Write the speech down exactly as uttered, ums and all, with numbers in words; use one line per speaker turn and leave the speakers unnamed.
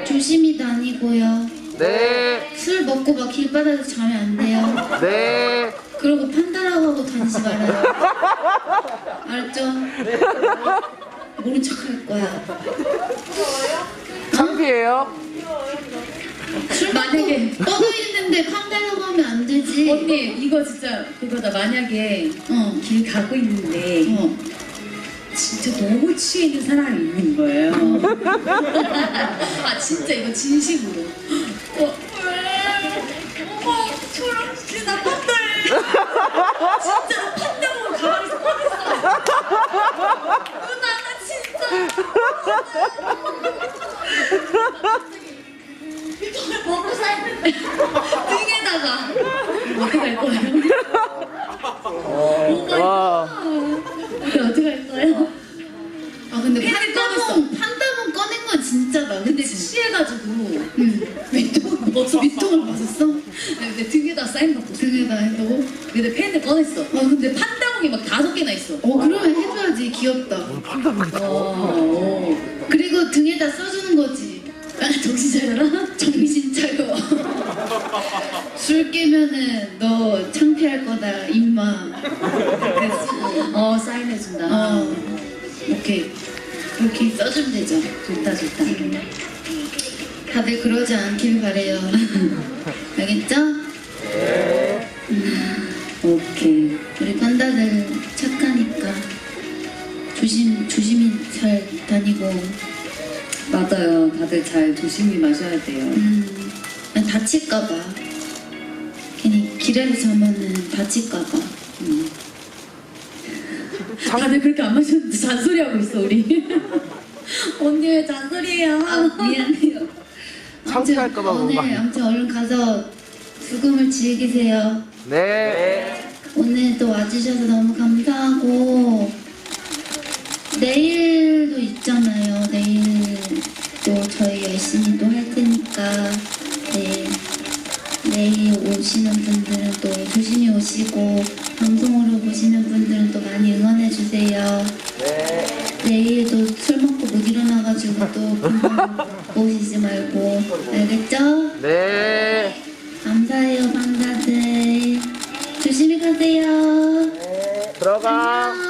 조심히 다니고요.
네.
술 먹고 막 길바닥에서 자면 안 돼요.
네.
그리고 판다라고 하고 다니지 말아요. 알았죠? 모른 척 할 거야.
창피해요?
술 만약에 뻗어 있는데 판다라고 하면 안 되지.
언니 이거 진짜 그거다. 만약에
어.
길 가고 있는데
어.
진짜 너무 취해 있는 사람이 있는 거예요. 아 진짜 이거 진심으로. 어, 왜? 어머 저랑 진짜 나 판다해. 진짜 판다 보고 가만히서 꺼냈어. 누나 나 진짜. 먹고 살는데 등에다가 어떻게 할 거예요?
와.
우리 어떻게 할 거예요?
아 근데
팬을
판다몬 판다몬 꺼낸 건 진짜다.
근데
그치?
취해가지고
응.
밑통을 벗어
밑통을 벗었어?
근데 등에다 사인 받고
등에다 해도?
근데 펜을 꺼냈어. 어 근데 판다봉이 막 다섯 개나 있어.
어 그러면 해줘야지. 귀엽다.
어.
그리고 등에다 써주는 거지.
아, 정신 차려라.
정신 차려. 술 깨면은 너 창피할 거다 임마. 그랬어.
어 사인해준다.
어. 오케이. 그렇게 써주면 되죠.
좋다 좋다.
다들 그러지 않길 바래요. 알겠죠?
오케이.
우리 판다들 착하니까 조심 조심히 잘 다니고.
맞아요. 다들 잘 조심히 마셔야 돼요.
음, 아니, 다칠까봐. 괜히 길에서 자면은 다칠까봐.
음. 다들 그렇게 안 마셨는데 잔소리하고 있어 우리. 언니 왜 잔소리해요?
아, 미안해요.
창피할까봐
아무튼
뭔가.
오늘 아무튼 얼른 가서 죽음을 즐기세요.
네.
오늘 또 와주셔서 너무 감사하고 내일도 있잖아요. 내일 또 저희 열심히 또 할 테니까 네. 내일 오시는 분들은 또 조심히 오시고 방송으로 보시는 분들은 또 많이 응원해 주세요.
네.
내일도 술 먹고 못 일어나가지고 또 금방 오시지 말고 알겠죠?
네.
감사해요, 방사들. 조심히 가세요.
들어가.
안녕.